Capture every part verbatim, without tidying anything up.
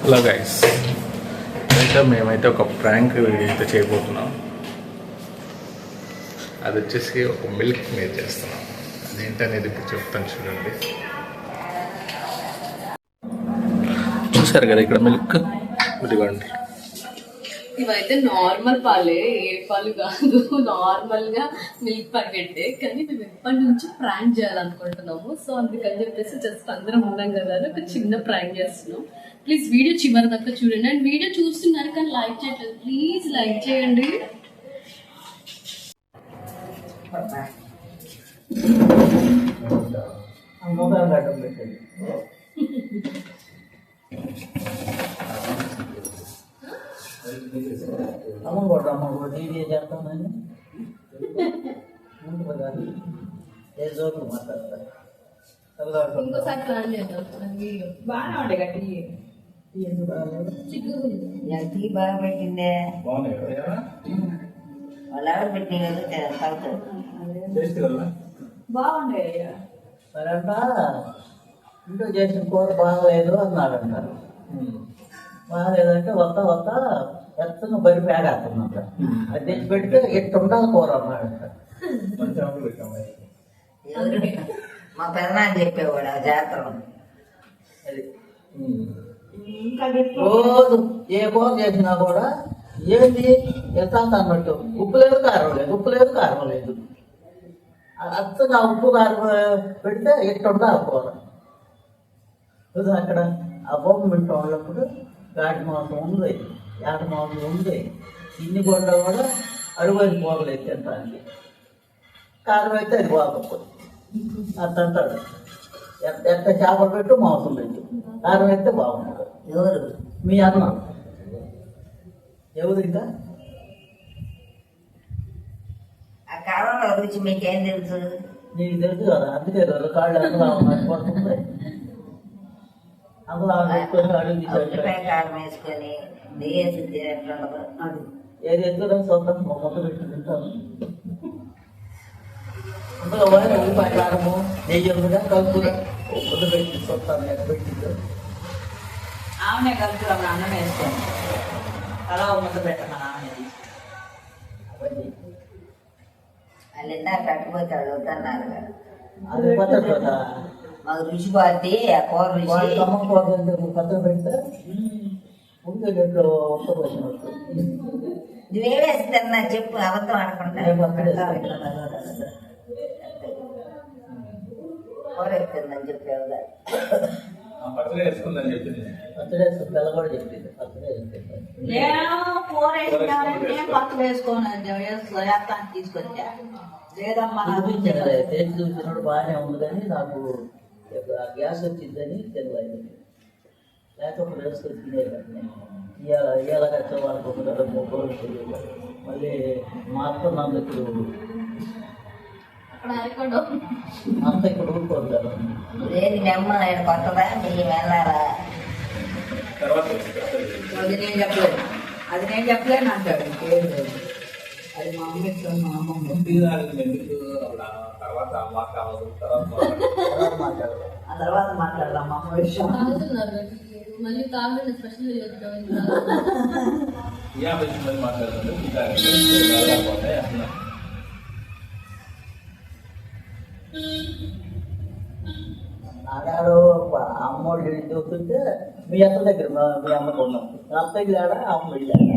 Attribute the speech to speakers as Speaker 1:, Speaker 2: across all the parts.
Speaker 1: Hello guys, అయితే మేమైతే ఒక ప్రాంక్ వీడియో అయితే చేయబోతున్నాం. అది వచ్చేసి ఒక మిల్క్ మేడ్ చేస్తున్నాం. అదేంటనేది ఇప్పుడు చెప్తాను చూడండి. చూసారు కదా ఇక్కడ మిల్క్, ఇదిగోండి.
Speaker 2: ఇవైతే నార్మల్ పాలే, ఏ పాలు కాదు, నార్మల్ గా మిల్క్ ప్యాకెట్. కానీ మేము ఎప్పటి నుంచి ప్రాంక్ చేయాలనుకుంటున్నాము. సో అందుకని చెప్పేసి జస్ట్ అందరం ఉన్నాం కదా ఒక చిన్న ప్రాంక్ చేస్తున్నాం. ప్లీజ్ వీడియో చివరి దాకా చూడండి. అండ్ వీడియో చూస్తున్నారు కానీ లైక్ చేయట్లేదు, ప్లీజ్ లైక్ చేయండి.
Speaker 3: అమ్మ కూడా అమ్మ కూడా టీవీ చేస్తామని ఏ జోకులు మాట్లాడతారు.
Speaker 2: ఇంకోసారి ప్లాన్ చేద్దాం. వీడియో
Speaker 4: బాగానే ఉండే గట్టి
Speaker 3: ఎందుకు బాగాలేదు?
Speaker 4: టీ బాగా పెట్టిందే వాళ్ళు ఎవరు పెట్టిన బాగుండే.
Speaker 3: మరంట ఇంట్లో చేసిన కూర బాగలేదు అన్నాడంట. బాగలేదంటే వస్తా వస్తా ఎత్తను బరి పేడేస్తున్నట. అది తెచ్చి పెడితే ఎట్టు ఉండాలి కూర అన్నాడంట.
Speaker 4: మా పెదనాన్ని చెప్పేవాడు ఆ జాతర.
Speaker 3: అది రోజు ఏ కూర చేసినా కూడా ఏంటి ఎత్తా అన్నట్టు ఉప్పు లేదు కారం లేదు, ఉప్పు లేదు కారం లేదు. అచ్చగా ఉప్పు కారం పెడితే ఎట్టు ఉండాలి కూర. అక్కడ ఆ బొమ్మ వింటూ ఉన్నప్పుడు గాడి మాంసం ఉంది, ఏట మాంసం ఉంది, ఇన్ని కొండ కూడా అడుగుని పోగలేదు తినడానికి. కారం అయితే అది బాగోకపోతే అట్ట అంటాడు. ఎంత చేపలు పెట్టు మాంసం పెట్టు, కారం అయితే బాగుంటుంది.
Speaker 4: ఎవరు
Speaker 3: మీ అన్న ఎవరు ఇంకా
Speaker 4: ఆ కాలంలో రుచి మీకేం తెలుసు?
Speaker 3: నీకు తెలుసు కదా, అందుకే కదా కాళ్ళు అందులో పడుతుంది. అందులో పెట్టుకొని అడుగు
Speaker 4: ఉల్లిపాయ కారం వేసుకొని నెయ్యేసి తినేట్లుండదు.
Speaker 3: అది ఏది ఎత్తులో సొంతం మొక్క పెట్టి తింటాను. అందులో పోయిన ఉల్లిపాయ కారము నెయ్యి ఉందిగా కలుపుగా ముద్ద పెట్టి సొంతాను ఎక్కడ పెట్టిందో
Speaker 4: ఆమెనే కలుపుతాం. అన్నం వేసుకోండి, అలా ముద్ద పెట్టమని ఆమె
Speaker 3: అవన్నీ
Speaker 4: వాళ్ళు ఇందాక కట్టుపోతాడు వద్దన్నారు కదా.
Speaker 3: అది పద్ధతి కదా.
Speaker 4: మాకు రుచి పోద్ది ఆ కూర
Speaker 3: వాళ్ళ
Speaker 4: రుచి.
Speaker 3: తమ్మ కోసం పక్కన పెడితే ఉంటే గంటలో ఒక్క కోసం
Speaker 4: నువ్వేవేసి తిన్నా చెప్పు, అబద్ధం అనుకుంటా. కూర ఎత్తుందని చెప్పేవుగా.
Speaker 1: పచ్చడి వేసుకుందని చెప్పింది.
Speaker 3: పచ్చడి పిల్ల కూడా చెప్పింది పచ్చడి వేసుకుంటాను.
Speaker 4: నేను కూర వేసినానంటే పక్కన వేసుకోను, వేస్తాను తీసుకొచ్చా. లేదమ్మా
Speaker 3: చూపించాను టేస్ట్ చూసినప్పుడు బాగానే ఉంది కానీ నాకు గ్యాస్ వచ్చిందని తెలియదు. లేకపోతే వేసుకొని తినేదాన్ని. ఇవాళ ఇవాళ కచ్చే వాళ్ళకు ఒక ముగ్గురు తెలియదు. మళ్ళీ మా అత్త నా దగ్గర మా అత్త ఇక్కడ ఊరుకుంటారు.
Speaker 4: ఏది నెమ్మ నేను కొత్తదా మీరు వెళ్ళాలా? అది నేను చెప్పలేదు, అది నేను చెప్పలేను అంటాడు. ఇంకేం లేదు, అది మా అమ్మ ఇష్టం. మా అమ్మమ్మ ఆ తర్వాత మాట్లాడదాం మా అమ్మ విషయం.
Speaker 2: మళ్ళీ కావాలని స్పెషల్ చేద్దాం.
Speaker 3: ఆడాడు అమ్మోడు చూస్తుంటే మీ అత్త దగ్గర మీ అమ్మకు ఉన్నాం. అత్తకి లేడా అమ్మ వెళ్ళాడా?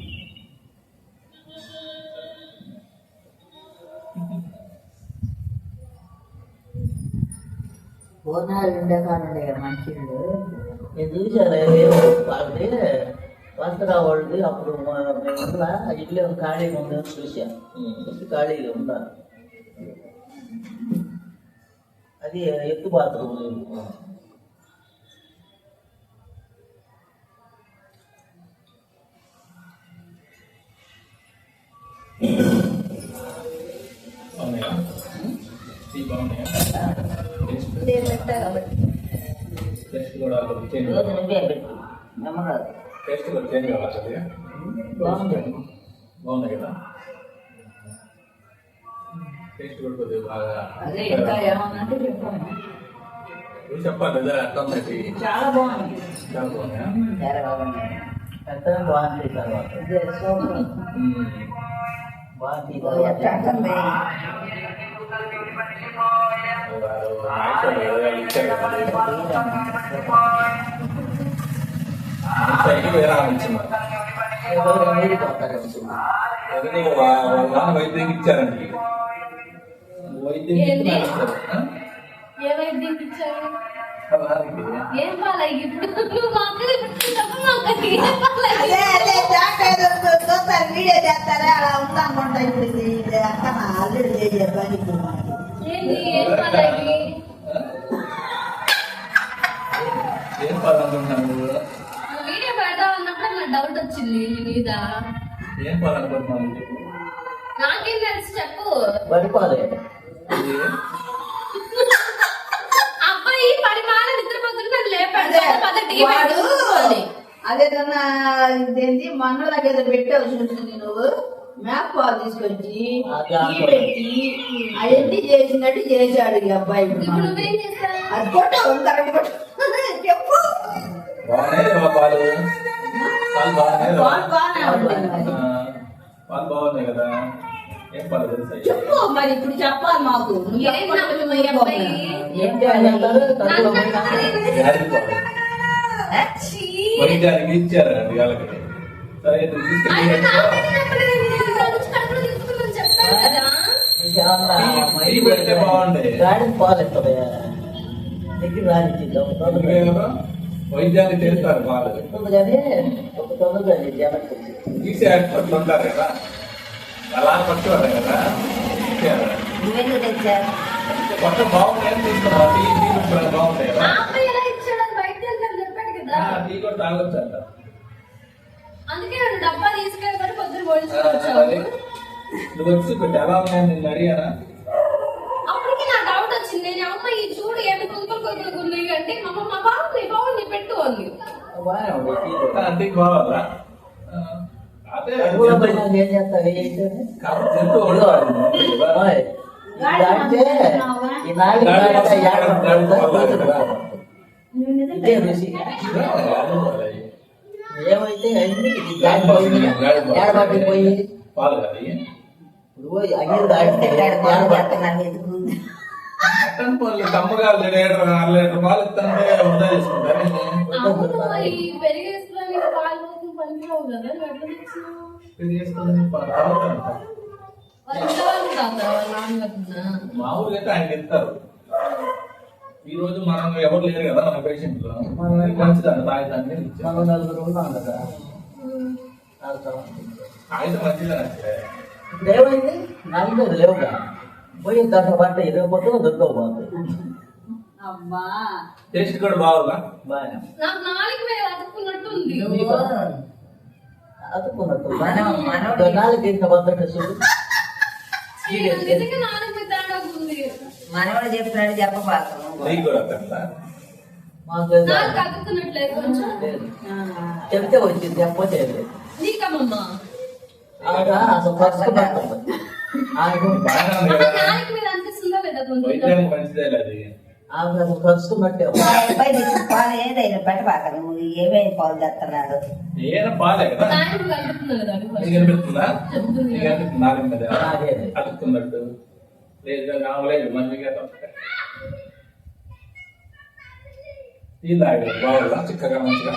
Speaker 4: పూర్ణాలు ఉండే కాదు మంచిళ్ళు.
Speaker 3: నేను చూశాను వాళ్ళది వస్త్రా వాళ్ళది. అప్పుడు మేము ఉందా ఇల్లు ఖాళీగా ఉందని చూశాను. చూసి ఖాళీగా ఉందా అది ఎత్తు బాత్రూమ్ లేదు.
Speaker 4: రోజు నువ్వే పెట్టు నమ్మకాదు.
Speaker 3: బాగుంది.
Speaker 1: బాగుంది కదా. టేస్ట్ కూడా కొద్దిగా బాగా
Speaker 4: అదే ఇంకా ఏమన్నా అంటే చెప్పాను.
Speaker 1: చెప్పాలి
Speaker 4: చాలా బాగుంది.
Speaker 3: ఎంత బాగుంది తర్వాత బాగుంది
Speaker 5: నాన్న వైద్యం ఇచ్చారండి వైద్యం
Speaker 2: ఏంటి?
Speaker 5: ఇచ్చారు.
Speaker 2: ఏ వైద్యం ఇచ్చారు?
Speaker 5: వాళ్ళకి
Speaker 2: ఏం పాలయ్య ఇప్పుడు నువ్వు మాకు చెప్పు మాకు ఏం పాలయ్య?
Speaker 4: అదే అదే డాక్టర్ చూస్తారు వీడియో చేస్తారా అలా ఉందనుకుంటా ఇప్పుడు ఇది అక్క నా ఆల్రెడీ చేసే పని ఇప్పుడు మనకి.
Speaker 2: ఏంటి ఏం పాలయ్య?
Speaker 5: ఏం పదానుకుంటున్నాను నువ్వు
Speaker 2: నువ్వు వీడియో పెడదాం అన్నప్పుడు నాకు డౌట్ వచ్చింది నీ మీద.
Speaker 5: ఏం పదానుకుంటున్నాను చెప్పు
Speaker 2: నాకేం తెలుసు చెప్పు.
Speaker 3: పడిపోలే
Speaker 5: ఇది
Speaker 2: అబ్బాయి పడి మాల నిద్రపోతుంటే నన్ను లేపాడు.
Speaker 4: అదే
Speaker 2: పద టీ
Speaker 4: వాడు
Speaker 2: పెట్టుకోవాలి.
Speaker 4: అదేదన్నా ఇదేంటి మన్నలాగా ఏదో పెట్టావు చూసింది నువ్వు మ్యాప్ పాలు తీసుకొచ్చి
Speaker 3: అది
Speaker 4: టీ పెట్టి అవన్నీ చేసినట్టు చేశాడు ఈ అబ్బాయి ఇప్పుడు
Speaker 2: ఇప్పుడు
Speaker 4: మనకి.
Speaker 2: నువ్వేం చేస్తావు?
Speaker 4: అది కొట్టావు కరెక్ట్ కొట్టు చెప్పు
Speaker 5: బాగానే లేవా పాలు పాలు బాగానే లేవా?
Speaker 4: పాలు బాగానే ఉంటుంది మరి.
Speaker 5: ఆ, పాలు బాగున్నాయి కదా ఏం పాలు తెలుసా
Speaker 4: చెప్పు మరి ఇప్పుడు చెప్పాలి మాకు నువ్వు
Speaker 2: ఏం
Speaker 4: చెప్పకుండా
Speaker 2: నవ్వుతున్నావు ఈ
Speaker 4: చెప్పు.
Speaker 2: అబ్బాయి?
Speaker 3: ఏం చేయాలంటారు
Speaker 2: నాకు
Speaker 3: కడుపులో పోయినా
Speaker 2: నాకు
Speaker 5: వ్యాధి పాలు
Speaker 2: ఛీ!
Speaker 5: వైద్యానికి ఇచ్చారండి వాళ్ళకి సరే ఇది తీసుకెళ్ళి
Speaker 2: ఆయన నాకైతే చెప్పలేదు. నేను దాని నుంచి కడుపులో తిప్పుతున్నాను చెప్పాను కదా.
Speaker 5: టీ పెడితే బాగుండే
Speaker 3: గాడికి పాలు ఇస్తుంది దగ్గర రానిచ్చిందాం
Speaker 5: ఎందుకేమో వైద్యానికి చేస్తారు పాలు
Speaker 3: ఇస్తుంది కానీ ఒక తొందరగా జనకు
Speaker 5: తీసే హాస్పిటల్ ఉంటారు కదా అలా పట్టుకోవాలి కదా తీసేయాలి.
Speaker 4: నువ్వెందుకు తెచ్చావు
Speaker 5: కొత్త బాగుంది ఏం తీసుకున్నా టీ టీ కూడా బాగుంటాయి
Speaker 2: ఆ
Speaker 5: కదా
Speaker 2: అబ్బాయి ఎలా ఇచ్చాడు అని బయట వెళ్ళి చెప్పాడు కదా.
Speaker 5: ఆ, టీ కూడా తాగొచ్చు అంట
Speaker 2: అందుకే నన్ను డబ్బా తీసుకెళ్ళి పొద్దున
Speaker 5: ఆ,
Speaker 2: పోయించుకొచ్చావు.
Speaker 5: మరి నువ్వు వచ్చి పెట్టి ఎలా ఉన్నాయని నేను అడిగానా
Speaker 2: అప్పటికి నా డౌట్ వచ్చింది. నేను అమ్మ ఈ చూడు ఏమి కుంకులు కుంకులు ఉన్నాయి అంటే మా అమ్మ మా బాగుంది బాగుంది పెట్టు అంది.
Speaker 3: బాగానే ఉంది
Speaker 5: అంటే కావాలా ఆ, అదే
Speaker 3: కడుపులో పోయినా ఏం చేస్తారు ఏంటంటే
Speaker 5: కాబట్టి జంతువు వాడు.
Speaker 3: ఓయ్, ఇలాంటి ఈ నాలుగు నాలుగు ఏడాది ఇదే రుచి ఏమైతే అన్ని దాడి పోయింది ఏడబాటి పోయి
Speaker 5: పాలు కదా
Speaker 3: ఇప్పుడు అయ్యేది దాడితే ఏడబాటి
Speaker 5: మటన్ పాలు కమ్మగా లీటర్ అర లీటర్ పాలు ఇస్తుంటే వృధా చేసుకుంటారు
Speaker 2: అవును ఈ పెరిగేసుకుని పాలు పోతుంది పనికిరావు కదా నువ్వు ఎట్లా తెచ్చినావు?
Speaker 5: ఇది చేసుకుని పాలు తాగుతారు.
Speaker 2: వాళ్ళు ఇంట్లో వాళ్ళు తాగుతారా వాళ్ళ నాన్న లేకుండా?
Speaker 5: మామూలుగా అయితే ఆయన ఇస్తారు ఈ రోజు మనం ఎవరు లేరు కదా మన పేషెంట్లు మంచిదండి తాగిదాన్ని ఇచ్చారు
Speaker 3: మనం నలుగురు ఉన్నాం కదా తాగుతాం.
Speaker 5: తాగితే మంచిదని
Speaker 3: ఇప్పుడు ఏమైంది నాలుగు లేవుగా పోయి దాంట్లో పంట ఇరవైపోతే దొరకకపోతుంది
Speaker 4: అమ్మా
Speaker 5: టేస్ట్ కూడా బాగుందా
Speaker 3: బాగా
Speaker 2: నాకు నాలుగు వేలు అతుక్కున్నట్టుంది.
Speaker 3: అతుక్కున్నట్టు
Speaker 4: మనం- మనం-
Speaker 3: నాలుగు ఇంత పద్ధతి చూడు
Speaker 2: నాకు నిజంగా నాలుగు వేలు తేడా ఉంది.
Speaker 4: మనవాడు చెప్పినాడు చెప్పబాకు
Speaker 5: నెయ్యి కూడా అట్లా
Speaker 3: మాకు
Speaker 2: నాకు అతుక్కున్నట్లేదు కొంచెం.
Speaker 3: లేదు చెప్తే వచ్చింది చెప్పతే లేదు
Speaker 2: నీకమ్మమ్మా
Speaker 3: ఆడ అసలు ఫస్ట్ పడుతుంది ఆమె
Speaker 5: బాగానే ఉంది
Speaker 2: అమ్మ
Speaker 5: కదా
Speaker 2: నాలుగు మీద అనిపిస్తుందా లేదా కొంచెం?
Speaker 5: వైద్యానికి మంచిదే అది
Speaker 3: ఆమె అసలు కలుసుకున్నట్టే
Speaker 4: పాలు ఏదైనా పెట్టబాక నువ్వు ఏమేమి పాలు తెస్తున్నాడు
Speaker 5: ఏదైనా పాలే కదా
Speaker 2: నాయన కలుపుతున్నా కదా అది
Speaker 5: నీకు అనిపిస్తుందా
Speaker 2: చెప్తుంది
Speaker 5: నీకు అనిపిస్తుంది నాలుగు మీద
Speaker 3: అదే.
Speaker 5: అతుక్కున్నట్టు లేదు కావలేదు మనకి టీ తాగలేదు బాగుందా చిక్కగా మంచిగా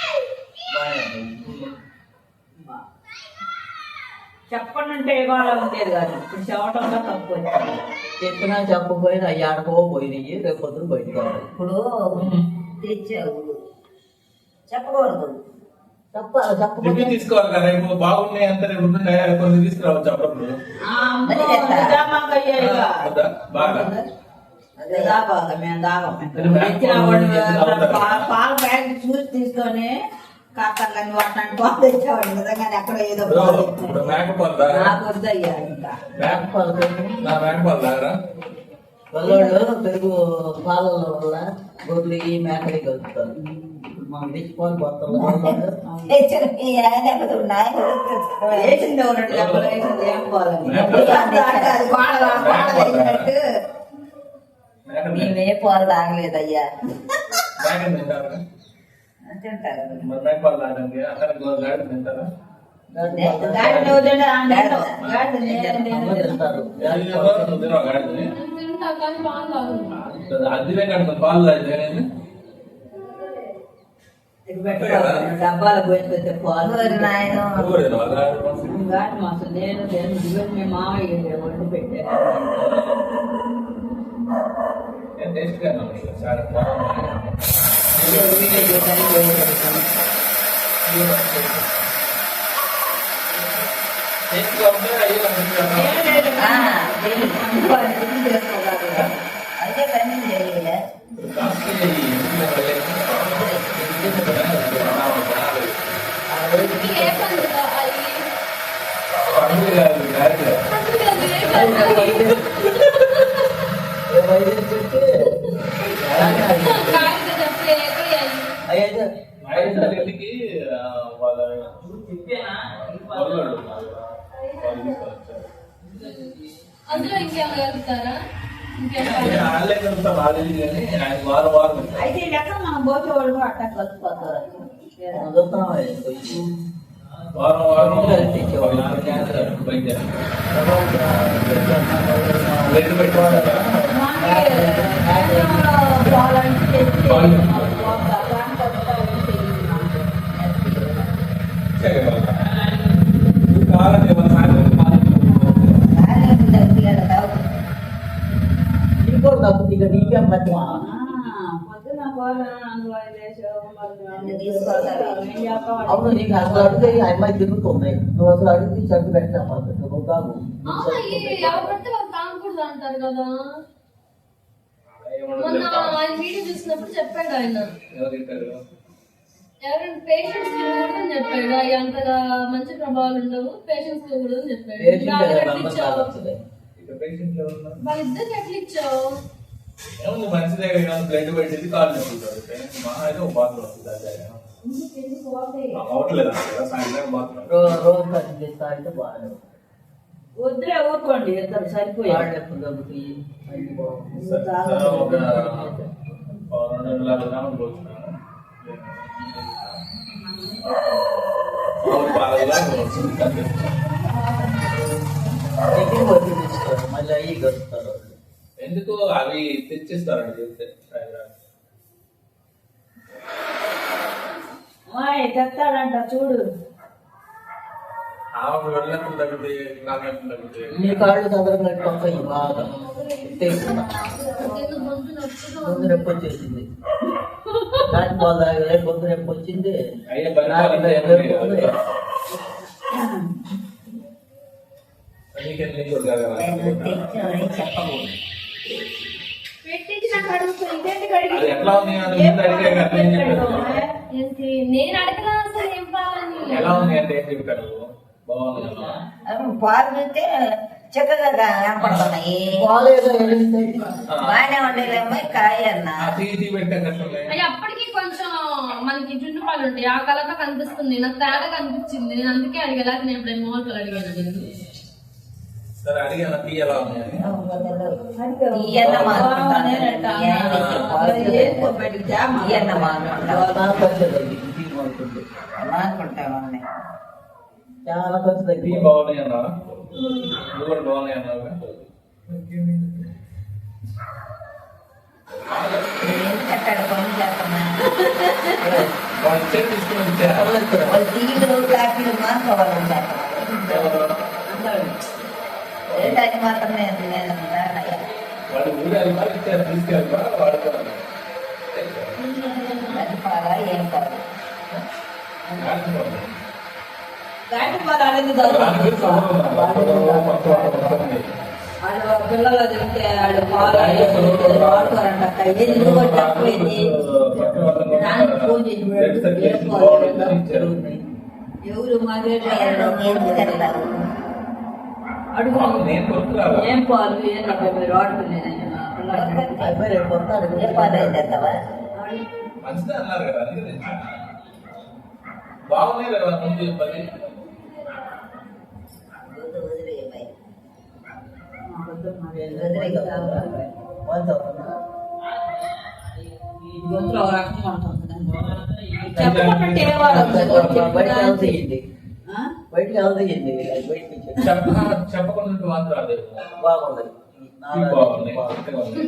Speaker 4: చెప్పనంటే ఇవాళ ఉండేది కాదు ఇప్పుడు చెప్పడంలో తప్పు వచ్చింది
Speaker 3: చెప్పినా చెప్పకపోయినా అయ్యాడకో పోయినాయి రేపు పొద్దున బయటకు రావాలి.
Speaker 4: ఇప్పుడు తెచ్చావు చెప్పకూడదు
Speaker 3: చెప్పాలి
Speaker 5: రివ్యూ
Speaker 3: చెప్పకపోతే
Speaker 5: తీసుకోవాలి కదా రేపు బాగున్నాయి అంత రేపు ఉంటున్నాయి కొన్ని తీసుకురావచ్చు అప్పుడప్పుడు వద్దా? బాగా
Speaker 4: మేము తాగం
Speaker 5: మరి
Speaker 4: తెచ్చిన
Speaker 5: బ్యాంక్
Speaker 4: వాడు
Speaker 5: పాలు
Speaker 4: పాల బ్యాగ్ చూసి తీసుకొని కాస్తాను వాటిని పాలు తెచ్చేవాడు నిజంగా ఎక్కడ ఏదో పాలు
Speaker 5: ఇప్పుడు
Speaker 4: తెచ్చాడు.
Speaker 5: మేకపోలు తాగరా
Speaker 4: నాకు వద్దయ్యా ఇంకా
Speaker 5: మేక- నా మేకపోలు తాగరా
Speaker 3: పిల్లోళ్ళు పెరుగు పాలలో వల్ల గొడ్లు ఈ మేకలు కలుపుతారు ఇప్పుడు మనం తెచ్చుకొని పోతాం
Speaker 4: తెచ్చిన ఈ ఏడాది ఉన్నాయి. వేసింది ఒకటి చెప్పలు వేసింది ఏం పోలని అది గోడ గోడ వేసినట్టు
Speaker 5: మేక
Speaker 4: మేమే పాలు తాగలేదయ్యా
Speaker 5: మేక తింటారా
Speaker 4: తింటారు.
Speaker 5: మరి మేకపాలు తాగడానికి అక్కడ గాడి తింటారా?
Speaker 4: గాడిద వదిలేడు, ఆ నీళ్ళు. గాడిద నీళ్ళు
Speaker 3: అమ్మ తింటారు.
Speaker 5: నువ్వు తినవా గాడిదని?
Speaker 2: తింటా కానీ పాలు తాగను.
Speaker 5: అదివే కడుతుంది పాలు తాగితే
Speaker 3: డబ్బాలు పోయిపోతే పాలు
Speaker 4: ఊరి నాయన
Speaker 3: గాడి మాసం నేను నేను దిగులు మీ మామయ్య వండి పెట్టాను.
Speaker 5: టేస్ట్ గా
Speaker 4: అదే పని చేయలే.
Speaker 2: మీకు ఏ పండుగ అది? కాగిత చెప్పు ఎక్కడ
Speaker 5: ఇంటికి వాళ్ళ
Speaker 2: అందులో ఇంకేమైనా కలుపుతారా? ఇంకేమైనా
Speaker 5: వాళ్ళే కలుపుతాం వాళ్ళది కానీ ఆయన వారం వారం
Speaker 4: అయితే ఈ లెక్క మనం పోసేవాడు అట్టా కలిసిపోతారు.
Speaker 5: వారం వారం బయట రేటు పెట్టుకోవాలా కావాలంటే మన సాయంత్రం
Speaker 3: ఇంకో డబ్బు ఇక నీకేం పట్టిన అవును నీకు అసలు అడిగితే ఈ అమ్మాయి తిరుగుతుంది. నువ్వు అసలు అడిగితే చెట్టు పెట్టినా నువ్వు కాదు.
Speaker 2: ఎవరు పడితే వాళ్ళు తాగకూడదు అంటారు కదా. మొన్న ఆయన వీడియో చూసినప్పుడు చెప్పాడు ఆయన, ఎవరైనా పేషెంట్స్ తినకూడదని చెప్పాడు. అవి అంతగా మంచి ప్రభావాలు ఉండవు, పేషెంట్స్ తినకూడదని చెప్పాడు. వాళ్ళిద్దరికి ఎట్లా ఇచ్చావు?
Speaker 5: ఏముంది మంచి దగ్గర బ్లడ్ పెట్టింది కాళ్ళు నొప్పుతారు మహా అయితే ఒక బాత్రూమ్ అవట్లేదు సాయంత్రం బాత్రూమ్
Speaker 3: రోజు పది తాగితే బాగా
Speaker 4: వద్దులే ఊరుకోండి, ఇద్దరు సరిపోయాడు.
Speaker 5: రెండు వందల యాభై గ్రాములు పోతున్నాను
Speaker 3: దగ్గర వద్దు తీసుకోరు, మళ్ళీ అయ్యి గడుపుతారు.
Speaker 5: ఎందుకు అవి తెచ్చిస్తారండి చెప్తే
Speaker 4: చెప్తాడంట చూడు.
Speaker 5: ఆమెకు వెళ్ళినప్పుడు తగ్గుతాయి నాకు ఎప్పుడు తగ్గుతాయి
Speaker 3: నీ కాళ్ళు చదవనట్టు వస్తాయి బాగా తీసుకున్నా ముందు నొప్పి వచ్చేసింది. దాని బాగా ముందు నొప్పి వచ్చింది.
Speaker 5: అయ్యే బలి ఎట్లా ఉంది
Speaker 2: ఏంటి నేను అడగలా అసలు ఏం పాలని.
Speaker 5: ఎలా ఉంది అంటే ఏం చెప్తారు బాగుంది
Speaker 4: పాలు చూస్తే చక్కగా కనపడుతున్నాయి. బాగానే ఉండేలేమో కాయ అన్నా.
Speaker 5: తీసి పెట్టే కష్టం
Speaker 2: అయ్యి అప్పటికి కొంచెం మనకి జున్ను పాలు ఉంటాయి, ఆ కలర్ లో కనిపిస్తుంది. నాకు తేడా కనిపించింది, నేను అందుకే అడిగేలా. నేను ఇప్పుడు మోహన్ అడిగాను నేను.
Speaker 5: సరే అడిగాను టీ ఎలా ఉంది అని
Speaker 4: ఈయన్న మానుకుంటామని
Speaker 3: చాలా ఖర్చు
Speaker 5: టీ
Speaker 3: తగ్గి
Speaker 5: బాగున్నాయి అన్నా నువ్వు కూడా బాగున్నాయి అన్నావు
Speaker 4: కట్టాడు పనులు చేస్తున్నా.
Speaker 5: వాళ్ళు చేతి తీసుకుని ఇచ్చారు
Speaker 4: వాళ్ళు టీలు కాఫీలు మానుకోవాలంటారు. ఏంటని మాత్రం నేను నేను
Speaker 5: వాళ్ళు ఊరు వెళ్తారు ఇచ్చారు తీసుకెళ్తారు వాడుకోవాలి
Speaker 4: అది పాలా ఏం పాలు పిల్లలు తింటే వాడు పాలు వాడుకోరంట. ఎందుకు తక్కువైంది ఎవరు మాట్లాడారు అడుగు ఏం పాలు ఏంటంటే మీరు వాడుకునేది
Speaker 3: రేపు వస్తాడు.
Speaker 4: ఏ పాలు అయితే
Speaker 5: మంచిదే అన్నారు కదా అందుకే తెచ్చా బాగున్నాయి కదా ముందు చెప్పాలి
Speaker 4: గొంతులో ఒక రకంగా ఉంటుంది. చెప్పకుండా తినేవారు
Speaker 3: బయటకు వెళ్తాయండి బయటకు వెళ్తాయండి బయటకి
Speaker 5: చెప్ప- చెప్పకుండా ఉంటే మాత్రం అదే
Speaker 3: బాగుంది
Speaker 5: ఇవి బాగున్నాయి చిక్కగా ఉన్నాయి.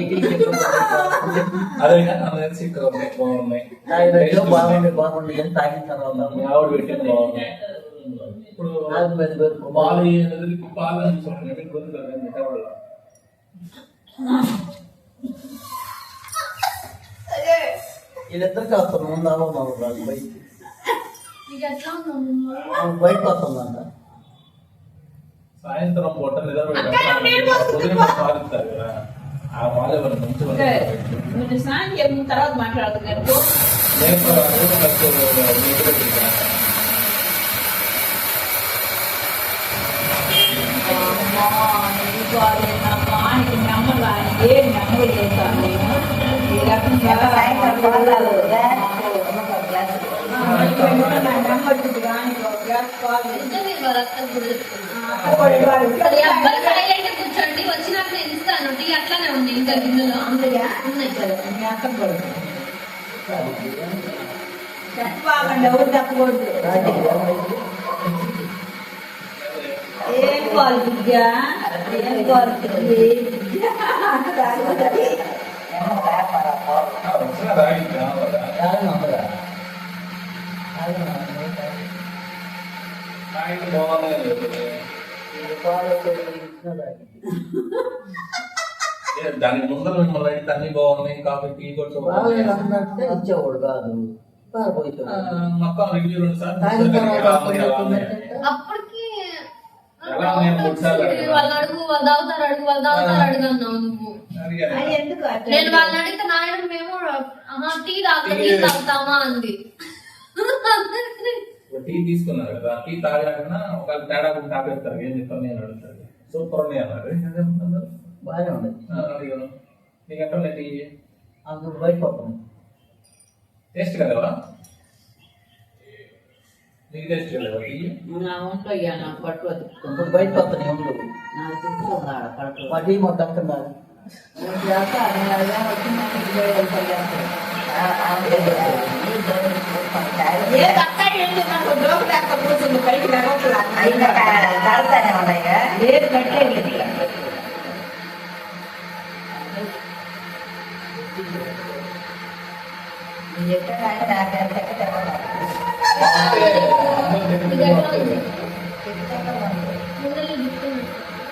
Speaker 5: అదే కానీ నాకు తెలిసి ఇక్కడ ఉన్నాయి బాగున్నాయి
Speaker 3: తాగినట్టు బాగుంది బాగుంది అని తాగిన తర్వాత
Speaker 5: మీ ఆవిడ పెట్టింది బాగున్నాయి. ఇప్పుడు
Speaker 3: నాకు మీద పెరుగు.
Speaker 5: పాలు అనేది పాలు అనుకుంటున్నాను మీకు గుర్తులేదు మిగతావాళ్ళ
Speaker 3: వీళ్ళిద్దరికి వస్తాను ముందు అవ్వమన్నారు వాళ్ళు బయటికి
Speaker 2: నీకు ఎట్లా ఉందమ్మా?
Speaker 3: ఆమె బయటకు వస్తుందంట
Speaker 5: సాయంత్రం పూట నిద్ర ఉదయం పాలు ఇస్తారు కదా ఆ పాలు ఎవరు మంచి
Speaker 4: నువ్వు స్నానం చేసిన తర్వాత మాట్లాడుతున్నాను నమ్మలా ఏం నమ్మలు చేస్తాను నేను ఈ రకంగా నమ్మట్టు కానీ ఒక గ్లాస్ పాలు
Speaker 2: నిజమే వాళ్ళ అత్తకు కూడా చెప్తున్నా.
Speaker 4: అప్పుడు వాడు
Speaker 2: మరి అబ్బాయి సైలెంట్ గా కూర్చోండి, వచ్చినాక నేను ఇస్తాను. టీ అట్లానే ఉంది ఇంకా గిన్నెలో
Speaker 4: అందుగా
Speaker 2: ఉన్నాయి.
Speaker 4: మీ అక్కకు పడుతుంది చెప్పాకండి ఎవరు చెప్పకూడదు ఏం పాలు బుజ్జ ఏం పాలు
Speaker 3: తాగినందుగా
Speaker 5: దానికి ముందర మిమ్మల్ని అయితే అన్ని బాగున్నాయి కాఫీ టీ కూడా
Speaker 3: బాగాలేదంటే ఇచ్చేవాడు కాదు పారిపోతాడు
Speaker 5: మొత్తం రివ్యూ రెండు
Speaker 3: తాగిన తర్వాత
Speaker 5: సార్లు
Speaker 2: అప్పటికి
Speaker 5: ఎలా ఉన్నాయి మూడు సార్లు అడిగాను.
Speaker 2: వాళ్ళు అడుగు వాళ్ళు తాగుతారు అడుగు వాళ్ళు తాగుతారు అడుగు అన్నావు నువ్వు.
Speaker 4: అది ఎందుకు అట్లా?
Speaker 2: నేను వాళ్ళని అడిగితే నాయన మేము ఆహా, టీ తాగుతా టీ తాగుతామా అంది.
Speaker 5: టీ తీసుకున్నారు కదా టీ తాగాకన్నా ఒకవేళ తేడా కూడా తాగేస్తారు ఏం చెప్తాను నేను అడుగుతాను సూపర్ ఉన్నాయి అన్నారు
Speaker 3: బాగానే ఉంది
Speaker 5: అడిగాను నీకు ఎట్లా టీ
Speaker 3: అందుకు బయటకు వస్తాను
Speaker 5: టేస్ట్ కదా నీకు టేస్ట్ కదా టీ
Speaker 4: నా ఒంట్లో ఇయ్య నాకు పట్టు అది.
Speaker 3: ఇప్పుడు బయటకు వస్తాను ఉండు
Speaker 4: నాకు తీసుకున్నాడు పట్టు
Speaker 3: మా టీ మొత్తం అక్కడున్నారు
Speaker 4: ఏ అక్క ఏంటి నాకు జోకు లేక కూర్చుంది పైకి లేకపోతే
Speaker 6: తాగుతానే ఉన్నాయిగా
Speaker 4: లేదు పెట్టలేదు
Speaker 6: నేను చెప్పాను ఆయన నాకు ఎంత చెప్పాలి
Speaker 2: ఇది ఎట్లా ఉంది? ముందర గిఫ్ట్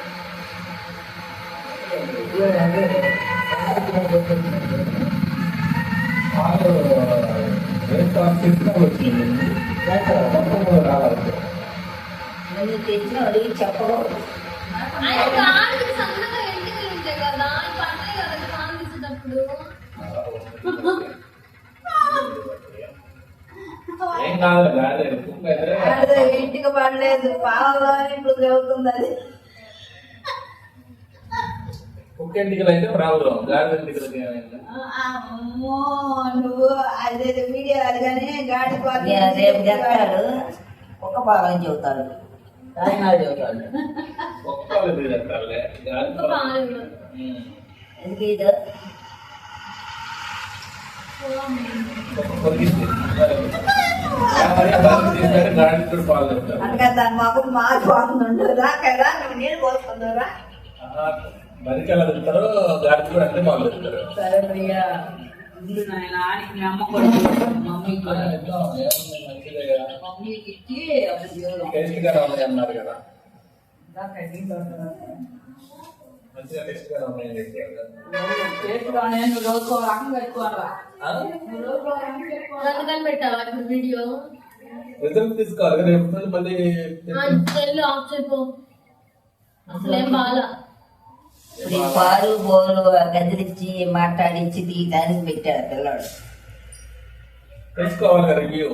Speaker 5: పాలు బ్రేక్ఫాస్ట్ తీసుకుని వచ్చింది మొత్తం రావాలి
Speaker 6: నువ్వు తెచ్చిన అడిగి చెప్పకూడదు
Speaker 2: ఆయన కాళ్ళకి సన్నగా ఎంటికలు ఉంటాయి కదా ఈ పడతాయి కదా కాళ్ళు తీసేటప్పుడు.
Speaker 5: ఏం కాదు రాలేదు కుక్క అయితే
Speaker 6: అదే ఇంటికి పడలేదు పాలలో ఇప్పుడు చదువుతుంది అది
Speaker 5: కుక్క ఇంటికి అయితే రావు గాడి ఇంటికి ఏమైంది
Speaker 4: అమ్మో నువ్వు అదే వీడియో అది కానీ గాడి
Speaker 6: నేను రేపు చెప్తాడు ఒక్క పాలని చెబుతాడు
Speaker 3: తాగినా చెబుతాడు
Speaker 5: కుక్క లేదు చెప్తారులే గాడి
Speaker 2: ఇంకా పాలు
Speaker 6: ఎందుకు ఇది
Speaker 5: కొరికింది గాడి కూడా పాలు చెప్తారు
Speaker 6: అందుకని దాని మాకు మా బాగుండు రా కదా నువ్వు నీళ్ళు పోసుకుందరా
Speaker 5: బరికి ఎలా తింటారో గాడి కూడా అంటే పాలు చెప్తారు
Speaker 4: సరే ప్రియా ఇల్లు నాయన ఆడికి మీ అమ్మ కొడుకు మమ్మీకి కూడా మమ్మీకి ఇచ్చి అప్పుడు దేవుడు
Speaker 5: టేస్ట్ గా ఉన్నాయి అన్నారు కదా
Speaker 4: దాకా నీళ్ళు వస్తున్నారు.
Speaker 5: మంచిగా టేస్ట్ గా ఉన్నాయి
Speaker 4: చేతిలోనే నువ్వు రోజుకో రకం పెట్టుకోవాలా నువ్వు రోజుకో రకం పెట్టుకోవాలా
Speaker 2: అందుకని పెట్టావా ఇప్పుడు వీడియో?
Speaker 5: రిజల్ట్ తీసుకోవాలి రేపు నుండి మళ్ళీ
Speaker 2: ఆ, సెల్ ఆఫ్ చేయపో. అసలేం బాగా
Speaker 6: ఇప్పుడు ఈ పాలు బోలు గదిలిచ్చి మాట్లాడించి తీయడానికి పెట్టాడు పిల్లాడు
Speaker 5: తెలుసుకోవాలి కదా రివ్యూ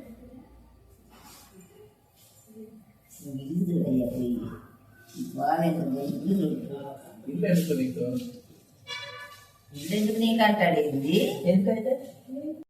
Speaker 6: ఇల్లు అయ్యా పోయి బాగాలేదు ఇల్లు
Speaker 5: ఇల్లు ఎందుకు నీకు
Speaker 6: ఇల్లు ఎందుకు నీకు అంటాడు ఏంది
Speaker 3: ఎందుకైతే